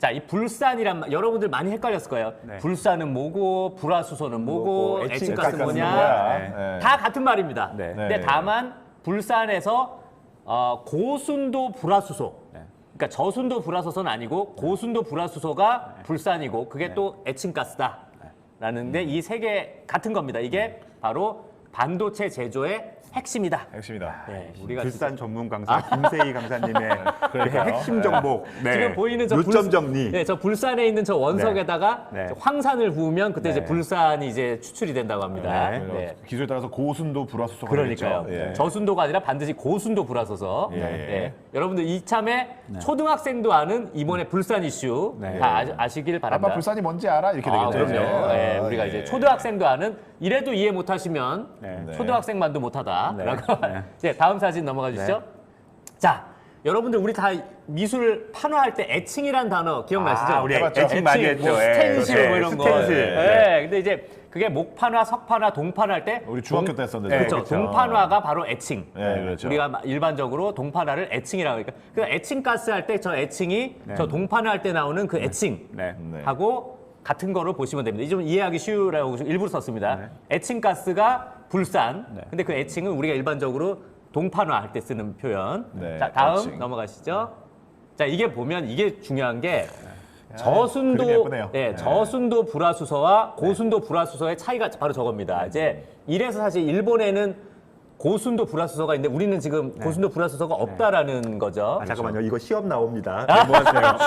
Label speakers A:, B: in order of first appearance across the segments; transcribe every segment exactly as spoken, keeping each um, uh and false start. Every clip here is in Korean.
A: 자, 이 불산이란 말, 여러분들 많이 헷갈렸을 거예요.
B: 네.
A: 불산은 뭐고, 불화수소는 뭐고,
B: 뭐고,
A: 애칭가스는
B: 애칭가스는
A: 뭐냐.
C: 뭐야.
B: 네.
C: 네.
A: 다 같은 말입니다.
B: 네.
A: 근데 다만 불산에서 어, 고순도 불화수소.
B: 네.
A: 그러니까 저순도 불화수소는 아니고 고순도 불화수소가 불산이고 그게 또 애칭가스다. 라는데 이 세 개 같은 겁니다. 이게 바로 반도체 제조의 핵심이다.
C: 핵심이다.
A: 네, 우리가
B: 불산 전문 강사 김세희 강사님의 그 핵심 정보. 네.
A: 지금 보이는 저
B: 요점
A: 불-
B: 정리.
A: 네, 저 불산에 있는 저 원석에다가
B: 네. 네.
A: 황산을 부으면 그때 이제
B: 네.
A: 불산이 이제 추출이 된다고 합니다.
B: 네.
A: 네.
C: 기술에 따라서 고순도 불화수소가
A: 그러니까요.
C: 되겠죠. 예.
A: 저순도가 아니라 반드시 고순도 불화소서.
C: 예, 예.
A: 네. 여러분들 이참에 초등학생도 아는 이번에 불산 이슈
B: 네.
A: 다 아, 아시길 바랍니다.
C: 아빠 불산이 뭔지 알아? 이렇게
A: 아,
C: 되겠죠.
A: 그럼요.
C: 이제.
A: 예,
C: 아,
A: 우리가
C: 예.
A: 이제 초등학생도 아는 이래도 이해 못하시면
B: 네.
A: 초등학생만도 못하다.
B: 네.
A: 라고.
B: 네.
A: 이제 다음 사진 넘어가 주시죠. 자, 여러분들 우리 다 미술 판화할 때 애칭이란 단어 기억나시죠?
B: 아, 우리
C: 해봤죠.
B: 애칭 많이
A: 뭐
B: 했죠. 예.
A: 스텐실
B: 네.
A: 뭐 이런 거.
B: 스텐실.
A: 예.
B: 네.
A: 근데 이제 그게 목판화, 석판화, 동판화 할 때
C: 우리 중학교
A: 동-
C: 때 했었는데.
A: 그렇죠.
C: 그렇죠.
A: 동판화가 바로 애칭.
C: 네, 그렇죠.
A: 우리가 일반적으로 동판화를 애칭이라고 하니까 그 애칭 가스 할 때 저 애칭이
B: 네.
A: 저 동판화 할 때 나오는 그 애칭
B: 네.
C: 네.
A: 하고 같은 거로 보시면 됩니다. 좀 이해하기 쉬우라고 일부러 썼습니다.
B: 네.
A: 애칭 가스가 불산.
B: 네.
A: 근데 그 애칭은 우리가 일반적으로 동판화 할 때 쓰는 표현.
C: 네,
A: 자, 다음
C: 애칭.
A: 넘어가시죠. 자, 이게 보면 이게 중요한 게
C: 그림이
A: 저순도
C: 예쁘네요.
A: 예,
C: 네.
A: 저순도 불화수소와 고순도 불화수소의 차이가 바로 저겁니다. 이제 이래서 사실 일본에는 고순도 불화수소가 있는데 우리는 지금 고순도 불화수소가 없다라는 거죠.
B: 아, 잠깐만요. 이거 시험 나옵니다. 메모하세요.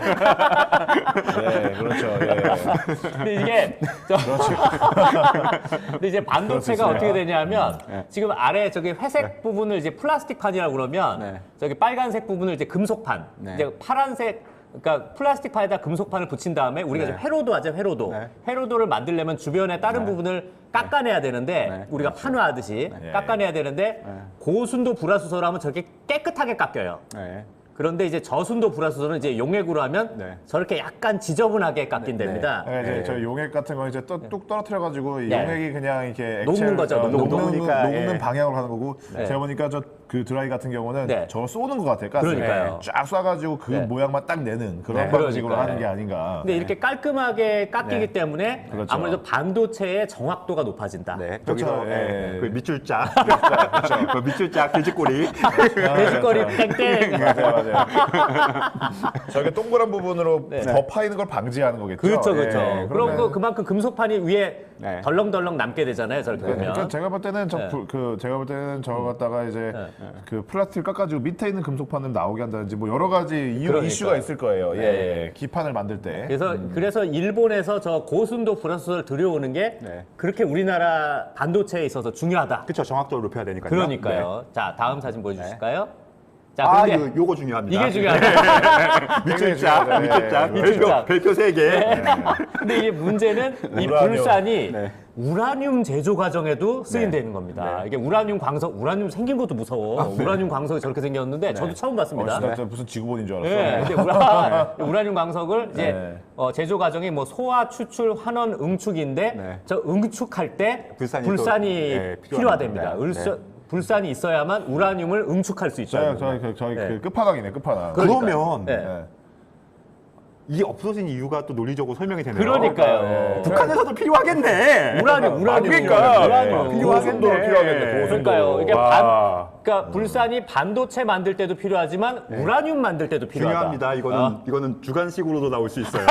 C: 네, 그렇죠. 예.
A: 근데 이게 저 근데 이제 반도체가
C: 그렇습니다.
A: 어떻게 되냐면 지금 아래 저기 회색 부분을 이제 플라스틱판이라고 그러면
B: 네.
A: 저기 빨간색 부분을 이제 금속판,
B: 네.
A: 이제 파란색 그러니까 플라스틱판에다 금속판을 붙인 다음에 우리가
B: 네.
A: 지금 회로도 하죠, 회로도.
B: 네.
A: 회로도를 만들려면 주변에 다른 부분을 깎아내야 되는데
B: 네.
A: 우리가 판화하듯이
C: 네.
A: 깎아내야 되는데
B: 네.
A: 고순도 불화수소라면 저렇게 깨끗하게 깎여요.
B: 네.
A: 그런데 이제 저순도 불화수소는 이제 용액으로 하면
B: 네.
A: 저렇게 약간 지저분하게 깎인답니다.
C: 네, 이제
B: 네.
C: 저 용액 같은 거 이제 또, 뚝 떨어뜨려가지고 이
A: 네.
C: 용액이 그냥 이렇게
A: 녹는
C: 액체를-
A: 거죠,
C: 어,
A: 녹는
C: 녹는,
B: 녹으니까,
C: 녹는
B: 예.
C: 방향으로 가는 거고
A: 네.
C: 제가 보니까 저 그 드라이 같은 경우는
A: 네.
C: 저걸 쏘는 것 같아요. 가스.
A: 그러니까요.
C: 쫙 쏴가지고 그
A: 네.
C: 모양만 딱 내는 그런
B: 네.
C: 방식으로
A: 그러니까요.
C: 하는 게 아닌가.
A: 근데 이렇게 깔끔하게 깎이기
B: 네.
A: 때문에
C: 그렇죠.
A: 아무래도 반도체의 정확도가 높아진다.
B: 네.
C: 그렇죠.
B: 저기서
C: 예.
B: 예. 그 밑줄짝. 그 밑줄짝 돼지꼬리.
A: 돼지거리 땡땡.
C: 맞아요, 맞아요. 저게 동그란 부분으로
A: 네.
C: 더 파이는 걸 방지하는 거겠죠.
A: 그렇죠, 그렇죠.
C: 예,
A: 그럼
C: 그러면-
A: 그 그만큼 금속판이 위에
B: 네.
A: 덜렁덜렁 남게 되잖아요. 저렇게 보면.
C: 그러니까 제가 볼 때는 저
A: 네.
C: 그 제가 볼 때는 저거 갖다가 이제
A: 네.
C: 그 플라스틱 깎아주고 밑에 있는 금속판을 나오게 한다든지 뭐 여러 가지 이유
A: 그러니까요.
C: 이슈가 있을 거예요. 예,
A: 네.
C: 예. 기판을 만들 때.
A: 그래서 그래서 일본에서 저 고순도 불화수소를 들여오는 게
B: 네.
A: 그렇게 우리나라 반도체에 있어서 중요하다.
B: 그렇죠. 정확도를 높여야 되니까요.
A: 그러니까요. 자, 다음 사진 보여주실까요? 자,
B: 아,
A: 근데
B: 이거, 요거 중요합니다.
A: 이게 중요하다.
B: 밑줄짝,
C: 네.
B: 밑줄짝,
A: 네.
B: 별표, 별표 세 개.
A: 근데 이게 문제는 이
C: 우라늄.
A: 불산이
B: 네.
A: 우라늄 제조 과정에도 쓰인다는 겁니다.
B: 네.
A: 이게 우라늄 광석, 우라늄 생긴 것도 무서워. 우라늄 광석이 저렇게 생겼는데 저도 처음
C: 어,
A: 봤습니다.
C: 진짜 무슨 지구본인 줄 알았어.
A: 네, 근데 우라, 우라늄 광석을 이제
C: 네.
A: 어, 제조 과정이 뭐 소화, 추출, 환원, 응축인데
B: 네.
A: 저 응축할 때
B: 불산이
A: 불산이,
B: 또, 네,
A: 필요하답니다.
B: 필요합니다.
A: 을서- 불산이 있어야만 우라늄을 응축할 수 있어요.
C: 저희 저희 그 저희
A: 네.
C: 그 끝판왕이네 끝판왕.
A: 그러니까요.
B: 그러면
A: 네.
C: 네.
B: 이게 없어진 이유가 또 논리적으로 설명이 되네요.
A: 그러니까요.
C: 네.
B: 북한에서도 필요하겠네.
A: 우라늄, 우라늄.
B: 그러니까.
A: 우라늄.
C: 고순도 필요하겠네. 고순도.
A: 그러니까요. 이게
B: 와.
A: 반, 그러니까 불산이 반도체 만들 때도 필요하지만 우라늄 만들 때도 필요하다.
B: 중요합니다. 이거는
A: 어?
B: 이거는 주관식으로도 나올 수 있어요.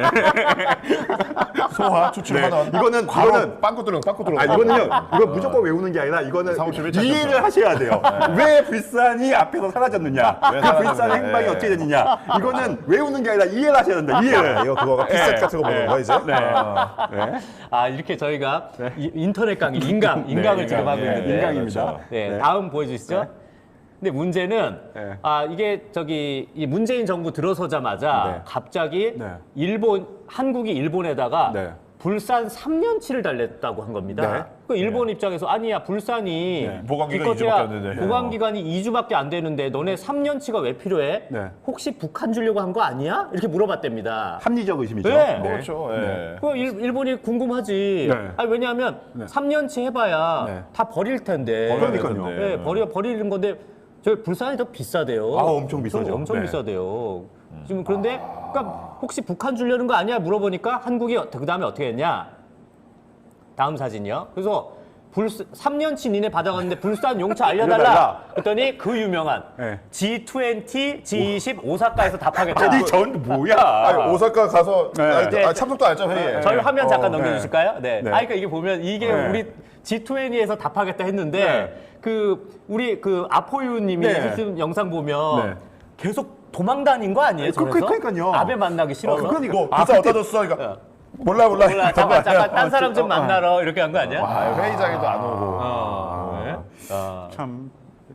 C: 소화 추출
B: 네.
C: 환원.
B: 이거는
C: 바로
B: 이거는
C: 빵꾸 뚫어 빵꾸 뚫어.
B: 아 이거는요. 이거 무조건 외우는 게 아니라 이거는
C: 사무실
B: 이해를
C: 밀착
B: 하셔야 돼요. 왜 불산이 앞에서 사라졌느냐?
C: 왜
B: 그
C: 사라졌느냐.
B: 불산의 행방이
C: 네.
B: 어떻게 되느냐? 이거는 외우는 게 아니라 이해를 하셔야 된다. 이해를.
C: 이거 그거가 피셋 같은 거 보는 거야 이제.
B: 네.
C: 아.
B: 네.
A: 아, 이렇게 저희가 이- 인터넷 강의, 인강, 인강을 지금
C: 인강,
A: 하고
C: 예,
A: 있는데.
C: 예,
B: 인강입니다.
C: 그렇죠.
A: 네,
B: 네.
A: 다음 보여주시죠. 근데 문제는
B: 네.
A: 아 이게 저기 이 문재인 정부 들어서자마자
B: 네.
A: 갑자기
B: 네.
A: 일본 한국이 일본에다가
B: 네.
A: 불산 삼 년치를 달랬다고 한 겁니다.
B: 네.
A: 그 일본 입장에서 아니야 불산이
B: 네.
C: 보관기간
A: 기껏해야
C: 이 주밖에 안 되는데.
A: 보관 기간이 이 주밖에 안 되는데 너네 삼 년치가 왜 필요해?
B: 네.
A: 혹시 북한 주려고 한 거 아니야? 이렇게 물어봤답니다.
B: 합리적 의심이죠.
A: 네.
C: 그렇죠. 예.
A: 그 일, 일본이 궁금하지.
B: 네.
A: 아니 왜냐하면
B: 네.
A: 삼 년치 해봐야
B: 네.
A: 다 버릴 텐데.
C: 버려야
B: 그러니까요.
C: 되는데.
A: 네, 버려 버리는 건데 저 불산이 더 비싸대요.
B: 아, 엄청 비싸죠.
A: 엄청
B: 네.
A: 비싸대요. 지금 그런데 그러니까 혹시 북한 주려는 거 아니야 물어보니까 한국이 그 다음에 어떻게 했냐? 다음 사진이요. 그래서 불스, 삼 년치 니네 받아갔는데 불산 용차 알려달라.
B: 알려달라.
A: 그랬더니 그 유명한
B: 네.
A: 지 이십, 지 이십 오사카에서 답하겠다.
B: 아니 전 뭐야?
C: 아니, 오사카 가서
B: 네.
C: 아니,
A: 네.
C: 아, 참석도 안 했죠 회의에.
A: 저희 화면 잠깐
B: 어,
A: 넘겨주실까요? 네.
B: 네.
A: 아, 그러니까 이게 보면 이게
B: 네.
A: 우리 지 이십에서 답하겠다 했는데
B: 네.
A: 그 우리 그 아포유님이
B: 네.
A: 했던 영상 보면
B: 네.
A: 계속 도망 다닌 거 아니에요?
B: 그-
A: 저래서?
B: 그러니까요.
A: 아베 만나기 싫어서.
B: 그러니까.
C: 뭐
B: 아,
C: 비싸
B: 그때-
C: 어디다 줬어? 그러니까 몰라 몰라.
A: 몰라 잠깐 잠깐 딴 사람 좀
B: 어, 어.
A: 만나러 이렇게 한 거 아니야?
C: 아, 회의장에도 안 오고.
A: 어, 네. 어.
B: 참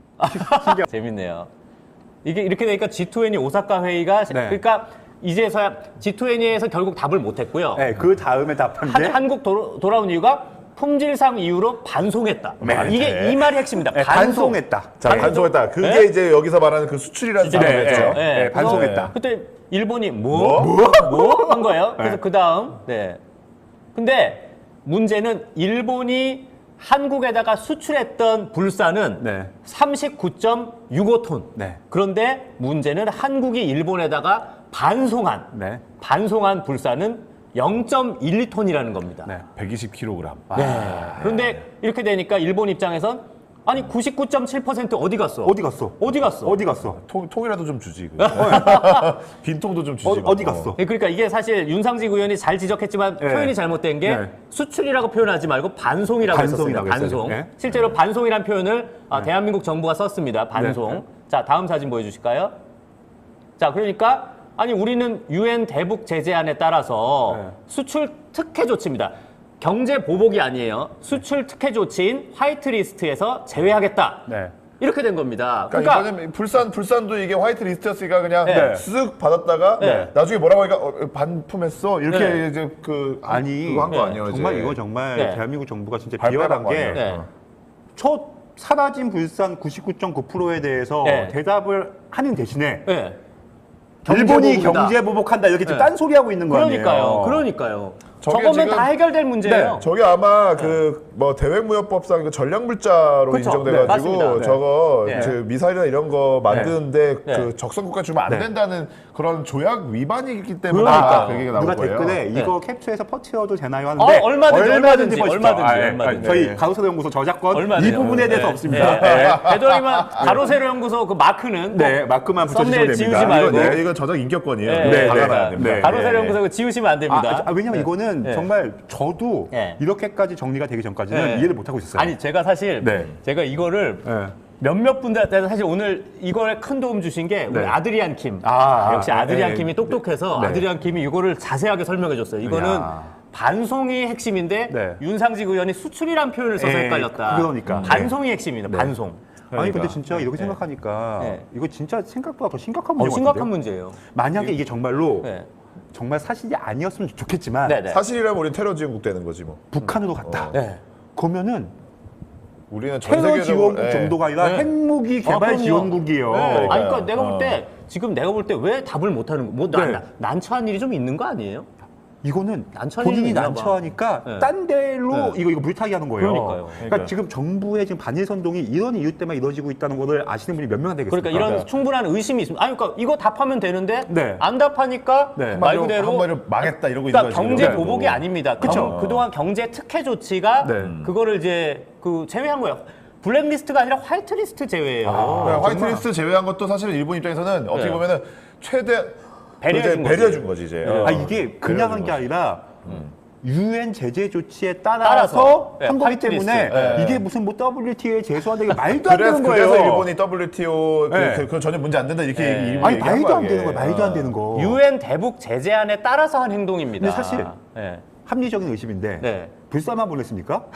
A: 재밌네요. 이게 이렇게 되니까 지 이십 오사카 회의가
B: 네.
A: 그러니까 이제서야 지 이십에서 결국 답을 못 했고요.
B: 네, 그 다음에 답한 게
A: 한, 한국 도, 돌아온 이유가 품질상 이유로 반송했다.
B: 네.
A: 이게 이 말이 핵심입니다.
B: 네,
A: 반송.
B: 반송했다.
C: 자, 반송했다. 그게
A: 네?
C: 이제 여기서 말하는 그 수출이라는
A: 네,
C: 단어였죠.
A: 네,
B: 네,
A: 네.
B: 반송했다.
A: 그래서 그때 일본이 뭐? 뭐? 뭐? 한 거예요. 그래서
B: 네.
A: 그 다음, 네. 근데 문제는 일본이 한국에다가 수출했던 불사는
B: 네.
A: 삼십구 점 육오 톤.
B: 네.
A: 그런데 문제는 한국이 일본에다가 반송한,
B: 네.
A: 반송한 불사는 영 점 일이 톤이라는 겁니다.
B: 네.
C: 백이십 킬로그램.
A: 네. 그런데 이렇게 되니까 일본 입장에선 아니 구십구 점 칠 퍼센트 어디 갔어?
B: 어디 갔어?
A: 어디 갔어?
B: 어디 갔어?
C: 통, 통이라도 좀 주지. 그. 빈통도 좀 주지.
B: 어,
C: 뭐.
B: 어디 갔어?
A: 네, 그러니까 이게 사실 윤상직 의원이 잘 지적했지만
B: 네.
A: 표현이 잘못된 게
B: 네.
A: 수출이라고 표현하지 말고 반송이라고 했었습니다.
B: 반송이라고 했어요.
A: 반송.
B: 네.
A: 실제로 반송이라는 표현을 아, 대한민국 정부가 썼습니다. 반송.
B: 네.
A: 자, 다음 사진 보여주실까요? 자, 그러니까 아니 우리는 유엔 대북 제재안에 따라서
B: 네.
A: 수출 특혜 조치입니다. 경제 보복이 아니에요. 수출 특혜 조치인 화이트리스트에서 제외하겠다.
B: 네.
A: 이렇게 된 겁니다.
C: 그러니까,
A: 그러니까
C: 이번에 불산 불산도 이게 화이트 리스트였으니까 그냥
A: 네.
C: 쓱 받았다가
A: 네.
C: 나중에 뭐라고 하니까 어, 반품했어 이렇게
A: 네.
C: 이제 그
B: 아니
C: 그거 한 거
A: 네.
C: 아니에요?
B: 정말
C: 이제.
B: 이거 정말
A: 네.
B: 대한민국 정부가 진짜
C: 발표한
B: 비열한
C: 거
B: 게
C: 아니에요?
A: 네.
C: 어.
B: 첫 사라진 불산 구십구 점 구 퍼센트에 대해서
A: 네.
B: 대답을 하는 대신에
A: 네.
B: 일본이
A: 경제보복이다.
B: 경제 보복한다 이렇게 지금
A: 네.
B: 딴소리 하고 있는 거 아니에요?
A: 그러니까요. 그러니까요.
C: 저게
A: 저거면
C: 지금-
A: 다 해결될 문제예요.
C: 네, 저게 아마 그 뭐 대외무역법상 그 전략물자로
A: 그쵸. 네,
C: 인정돼가지고
A: 맞습니다. 네.
C: 저거
A: 네.
C: 그 미사일이나 이런 거 만드는데
A: 네.
C: 그 적성국가 주면 안
B: 네.
C: 된다는 그런 조약 위반이기 때문에
A: 그러니까요.
C: 아, 그게 나온
B: 누가
C: 거예요.
B: 댓글에
A: 네.
B: 이거 캡처해서 퍼트려도 되나요 하는데
A: 어, 얼마든지, 얼마든지,
B: 보시죠.
A: 얼마든지,
B: 아, 예.
A: 얼마든지.
B: 저희
C: 네.
B: 가로세로 연구소 저작권
A: 얼마네요.
B: 이 부분에 대해서
A: 네.
B: 없습니다.
A: 네.
B: 네.
A: 되도록이면 가로세로 연구소 그 마크는
B: 네,
A: 꼭
B: 마크만 붙여주시면
A: 썸네일
B: 됩니다.
A: 지우지 말고.
C: 이거 네, 이거 저작 인격권이에요.
A: 네,
C: 이거
B: 네,
C: 박아놔야
A: 그러니까
C: 됩니다.
B: 네.
A: 가로세로 연구소 그거 지우시면 안
B: 아,
A: 됩니다.
B: 아, 왜냐면 이거는
A: 네.
B: 정말 저도
A: 네.
B: 이렇게까지 정리가 되기 전까지는
A: 네.
B: 이해를 못 하고 있었어요.
A: 아니 제가 사실
B: 네.
A: 제가 이거를
B: 네.
A: 몇몇 분들한테 사실 오늘 이거에 큰 도움 주신 게 우리
B: 네.
A: 아드리안 킴.
B: 아,
A: 역시
B: 아,
A: 아드리안
B: 네.
A: 킴이 똑똑해서
B: 네.
A: 아드리안 킴이 이거를 자세하게 설명해 줬어요. 이거는
B: 야.
A: 반송이 핵심인데
B: 네.
A: 윤상직 의원이 수출이란 표현을 써서
B: 네,
A: 헷갈렸다.
B: 그러니까.
A: 반송이 핵심입니다.
B: 네.
A: 반송.
B: 아니
C: 그러니까.
B: 근데 진짜 이렇게 생각하니까
A: 네.
B: 이거 진짜 생각보다 더 심각한
A: 어,
B: 문제
A: 심각한
B: 같은데요?
A: 문제예요.
B: 만약에 이게 정말로
A: 네.
B: 정말 사실이 아니었으면 좋겠지만
A: 네네.
C: 사실이라면 우리 테러 지원국 되는 거지 뭐.
B: 북한으로 갔다.
A: 네.
B: 그러면은
C: 우리는 전
B: 테러
C: 세계적으로
B: 지원국
C: 예.
B: 정도가 아니라
A: 네.
B: 핵무기
A: 아,
B: 개발
A: 그럼요.
B: 지원국이에요.
A: 네. 아니, 그러니까
C: 그러니까요.
A: 내가 볼
C: 어.
A: 때 지금 내가 볼 때 왜 답을 못 하는 거? 뭐 난,
B: 네.
A: 난처한 일이 좀 있는 거 아니에요?
B: 이거는
A: 난처한
B: 본인이
A: 일이 있나 봐.
B: 난처하니까
A: 네.
B: 딴 데로
A: 네.
B: 이거 이거 물타기 하는 거예요.
A: 그러니까요.
B: 그러니까
C: 그러니까요.
B: 지금 정부의 지금 반일 선동이 이런 이유 때문에 이루어지고 있다는 거를 아시는 분이 몇 명 안 되겠습니까?
A: 그러니까 이런 충분한 의심이 있습니다. 아니 그러니까 이거 답하면 되는데
B: 네.
A: 안 답하니까
B: 네.
A: 말
C: 한마디로,
A: 그대로
C: 한마디로 망했다 이러고
A: 그러니까
C: 있는 거지.
A: 경제
C: 이러고.
A: 보복이 아닙니다.
B: 그쵸.
A: 경- 그동안 경제 특혜 조치가
B: 네.
A: 그거를 이제 그 제외한 거예요. 블랙리스트가 아니라 화이트리스트 제외예요.
C: 네, 화이트리스트 제외한 것도 사실은 일본 입장에서는 어떻게
A: 네.
C: 보면은 최대
A: 배려해 준
C: 이제
A: 거지.
C: 배려해 준 거지 이제. 어.
B: 아 이게 그냥 한 게 아니라 유엔 제재 조치에 따라서,
A: 따라서. 네,
B: 한 거기
A: 화이트리스트.
B: 때문에
C: 네.
B: 이게 무슨 뭐 더블유티오에 제소한다 이게 말도 안
C: 그래서,
B: 되는 거예요.
C: 그래서 일본이 더블유티오 그,
B: 네.
C: 그, 그 전혀 문제 안 된다 이렇게
A: 네.
C: 얘기,
B: 아니
C: 얘기한
B: 말도 안
C: 거야,
B: 되는 거예요.
C: 이게.
B: 말도 안
C: 어.
B: 되는 거.
A: 유엔 대북 제재안에 따라서 한 행동입니다.
B: 근데 사실
A: 네.
B: 합리적인 의심인데
A: 네.
B: 불사만 보냈습니까?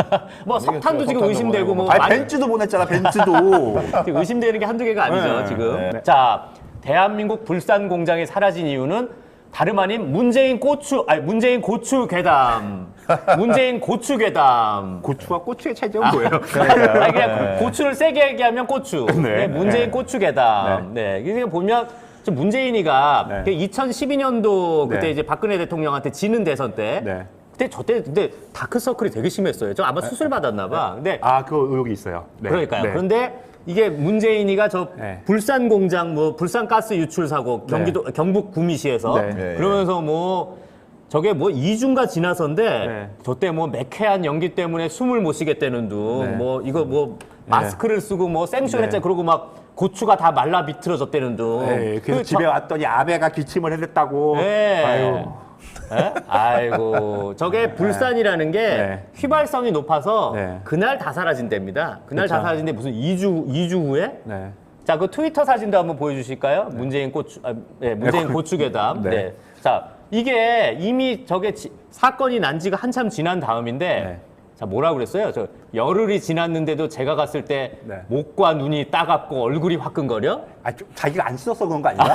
A: 뭐 석탄도 지금
C: 석탄도
A: 의심되고 뭐
C: 보내고.
B: 아니
A: 많이-
B: 벤츠도 보냈잖아. 벤츠도.
A: 지금 의심되는 게 한두 개가 아니죠,
B: 네,
A: 지금.
C: 네.
A: 자, 대한민국 불산 공장이 사라진 이유는 다름 아닌 문재인 고추, 아니, 문재인 고추 괴담. 문재인 고추 괴담.
B: 고추와 고추의 차이점은 뭐예요?
A: 아니, 그냥 고추를 세게 얘기하면 고추.
B: 네.
A: 네, 문재인
B: 네.
A: 고추 괴담. 네. 이게 보면 좀 문재인이가
B: 네.
A: 그 이천십이 년도 그때
B: 네.
A: 이제 박근혜 대통령한테 지는 대선 때.
B: 네.
A: 그때 저때 근데 다크서클이 되게 심했어요. 저 아마 수술 받았나 봐. 근데
B: 아, 그 의혹이 있어요. 네.
A: 그러니까요.
B: 네.
A: 그런데 이게 문재인이가 저
B: 네.
A: 불산 공장 뭐 불산 가스 유출 사고 경기도 경북 구미시에서
B: 네.
C: 네.
A: 그러면서 뭐 저게 뭐 이 주가 지나서인데
B: 네.
A: 저때 뭐 매캐한 연기 때문에 숨을 못 쉬겠다는 둥
B: 네.
A: 뭐 이거 뭐 마스크를 쓰고 뭐 생쇼 했잖아. 그러고 막 고추가 다 말라 비틀어졌다는 둥.
B: 네, 그래서
A: 그
B: 집에
A: 저-
B: 왔더니 아베가 기침을 해댔다고.
A: 네.
B: 아유.
A: 예? 아이고 저게 불산이라는 게
B: 네.
A: 휘발성이 높아서
B: 네.
A: 그날 다 사라진답니다. 그날 다
B: 그쵸.
A: 사라진데 무슨 이 주 이 주 후에
B: 네.
A: 자, 그 트위터 사진도 한번 보여주실까요? 문재인 고추, 아, 네, 문재인
B: 네,
A: 고추괴담. 네.
B: 네.
A: 자, 이게 이미 저게 지- 사건이 난 지가 한참 지난 다음인데,
B: 네.
A: 자, 뭐라 그랬어요? 저 열흘이 지났는데도 제가 갔을 때
B: 네.
A: 목과 눈이 따갑고 얼굴이 화끈거려?
B: 아, 좀 자기가 안 씻어서 그런 거 아닌가?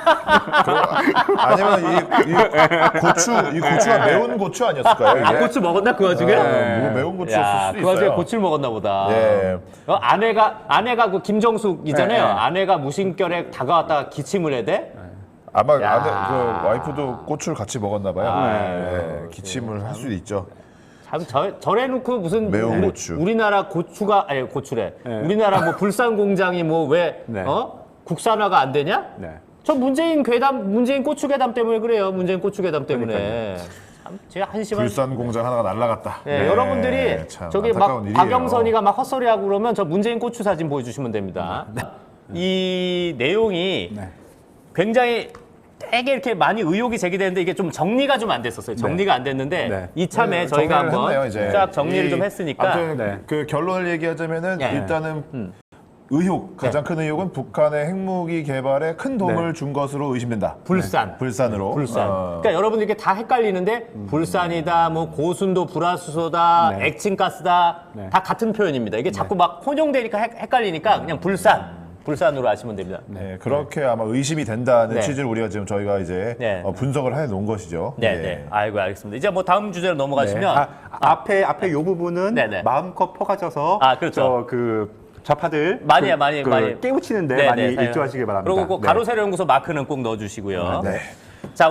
C: 아니면 이, 이 고추 이 고추가 매운 고추 아니었을까요? 이게?
A: 아, 고추 먹었나 그 와중에?
C: 네, 뭐 매운 고추였을
A: 야,
C: 수도
A: 그 와중에
C: 있어요.
A: 고추를 먹었나 보다.
C: 예.
A: 어, 아내가 아내가 그 김정숙이잖아요.
B: 네, 네.
A: 아내가 무심결에 다가왔다가 기침을 해대.
C: 아마
A: 야.
C: 아내 그 와이프도 고추를 같이 먹었나 봐요.
A: 아,
C: 네, 기침을 할 수도 있죠.
A: 참 저, 저래놓고 무슨
C: 매운
A: 우리,
C: 고추.
A: 우리나라 고추가 아니 고추래.
B: 네.
A: 우리나라 뭐 불산 공장이 뭐 왜
B: 네.
A: 어? 국산화가 안 되냐?
B: 네.
A: 저 문재인 괴담 문재인 고추 괴담 때문에 그래요. 문재인 고추 괴담 때문에. 참 제가 한심한.
C: 불산 공장 하나가 날라갔다.
A: 네,
C: 네,
A: 여러분들이
C: 참
A: 저기 막
C: 안타까운 일이에요.
A: 박영선이가 막 헛소리하고 그러면 저 문재인 고추 사진 보여주시면 됩니다.
C: 네.
A: 이 내용이
B: 네.
A: 굉장히 되게 이렇게 많이 의혹이 제기되는데 이게 좀 정리가 좀 안 됐었어요. 정리가 안 됐는데
B: 네.
A: 이참에
C: 네,
A: 저희가
C: 정리를
A: 한번
C: 했네요, 이제.
A: 쫙 정리를
C: 이-
A: 좀 했으니까
C: 아무튼
B: 네.
C: 그 결론을 얘기하자면은
A: 네.
C: 일단은
A: 음.
C: 의혹 가장 큰 의혹은 북한의 핵무기 개발에 큰 도움을
B: 네.
C: 준 것으로 의심된다.
A: 불산.
C: 불산으로.
A: 불산.
C: 어.
A: 그러니까 여러분들 이게 다 헷갈리는데 불산이다, 뭐 고순도 불화수소다,
B: 네.
A: 액친가스다
B: 네.
A: 다 같은 표현입니다. 이게 자꾸 막 혼용되니까 헷- 헷갈리니까 그냥 불산, 불산으로 아시면 됩니다.
C: 네, 그렇게 아마 의심이 된다는
A: 네.
C: 취지를 우리가 지금 저희가 이제
A: 네.
C: 어, 분석을 해 놓은 것이죠.
A: 네,
C: 예.
A: 네. 아이고 알겠습니다. 이제 뭐 다음 주제로 넘어가시면
B: 아, 앞에 앞에 요 부분은
A: 네, 네.
B: 마음껏 퍼가져서
A: 아, 그렇죠.
B: 저그 좌파들
A: 많이
B: 그,
A: 많이
B: 그
A: 많이
B: 깨우치는데
A: 네,
B: 많이
A: 네,
B: 일조하시길 바랍니다.
A: 그리고 꼭
B: 네.
A: 가로세로 연구소 마크는 꼭 넣어주시고요.
C: 네.
A: 자.